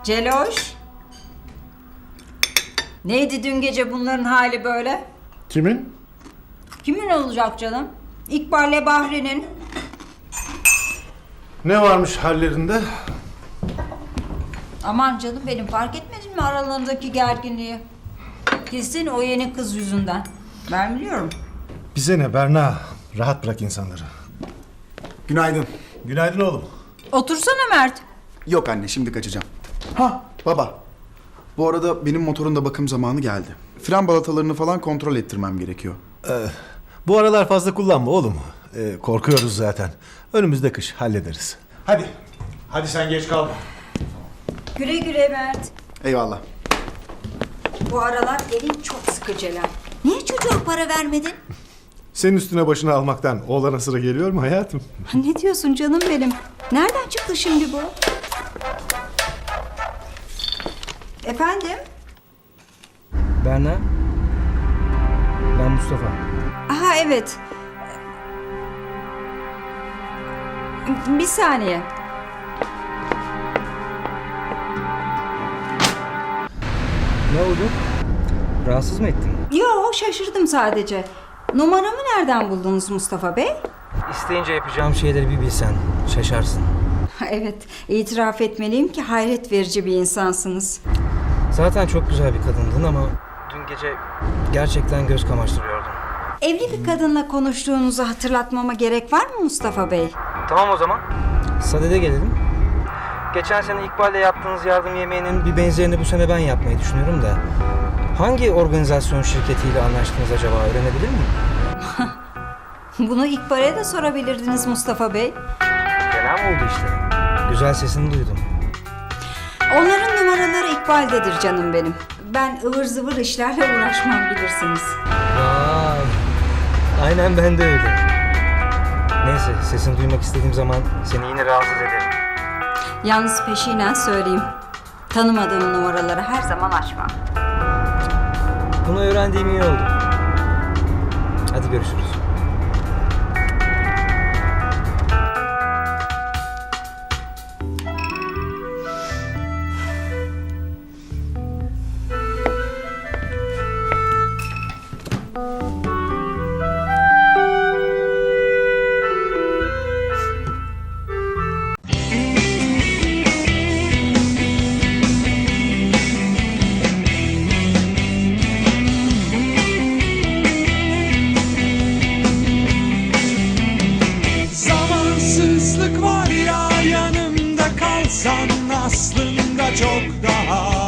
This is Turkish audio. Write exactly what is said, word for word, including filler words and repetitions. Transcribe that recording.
Celoş. Neydi dün gece bunların hali böyle? Kimin? Kimin olacak canım? İkbal'le Bahri'nin. Ne varmış hallerinde? Aman canım benim, fark etmedin mi aralarındaki gerginliği? Kesin o yeni kız yüzünden. Ben biliyorum. Bize ne Berna? Rahat bırak insanları. Günaydın. Günaydın oğlum. Otursana Mert. Yok anne, şimdi kaçacağım. Ha baba. Bu arada benim motorun da bakım zamanı geldi. Fren balatalarını falan kontrol ettirmem gerekiyor. Ee, bu aralar fazla kullanma oğlum. Ee, korkuyoruz zaten. Önümüzde kış, hallederiz. Hadi. Hadi sen geç kalma. Güle güle Mert. Eyvallah. Bu aralar elin çok sıkı Celal. Niye çocuğa para vermedin? Senin üstüne başını almaktan oğlana sıra geliyor mu hayatım? Ne diyorsun canım benim? Nereden çıktı şimdi bu? Efendim? Berna. Ben Mustafa. Aha evet. Bir saniye. Ne oldu? Rahatsız mı ettin? Yo, şaşırdım sadece. Numaramı nereden buldunuz Mustafa Bey? İsteyince yapacağım şeyleri bir bilsen şaşarsın. Evet, itiraf etmeliyim ki hayret verici bir insansınız. Zaten çok güzel bir kadındın ama dün gece gerçekten göz kamaştırıyordun. Evli bir kadınla konuştuğunuzu hatırlatmama gerek var mı Mustafa Bey? Tamam o zaman. Sadede gelelim. Geçen sene İkbal'le yaptığınız yardım yemeğinin bir benzerini bu sene ben yapmayı düşünüyorum da. Hangi organizasyon şirketiyle anlaştınız acaba, öğrenebilir miyim? Bunu İkbal'e de sorabilirdiniz Mustafa Bey. Fena mı oldu işte? Güzel sesini duydum. Onların numaraları İkbal'dedir canım benim. Ben ıvır zıvır işlerle uğraşmam bilirsiniz. Vay. Aynen ben de öyle. Neyse, sesini duymak istediğim zaman seni yine rahatsız ederim. Yalnız peşinen söyleyeyim. Tanımadığım numaraları her zaman açmam. Bunu öğrendiğim iyi oldu. Hadi görüşürüz. Zamansızlık var ya, yanımda kalsan aslında çok daha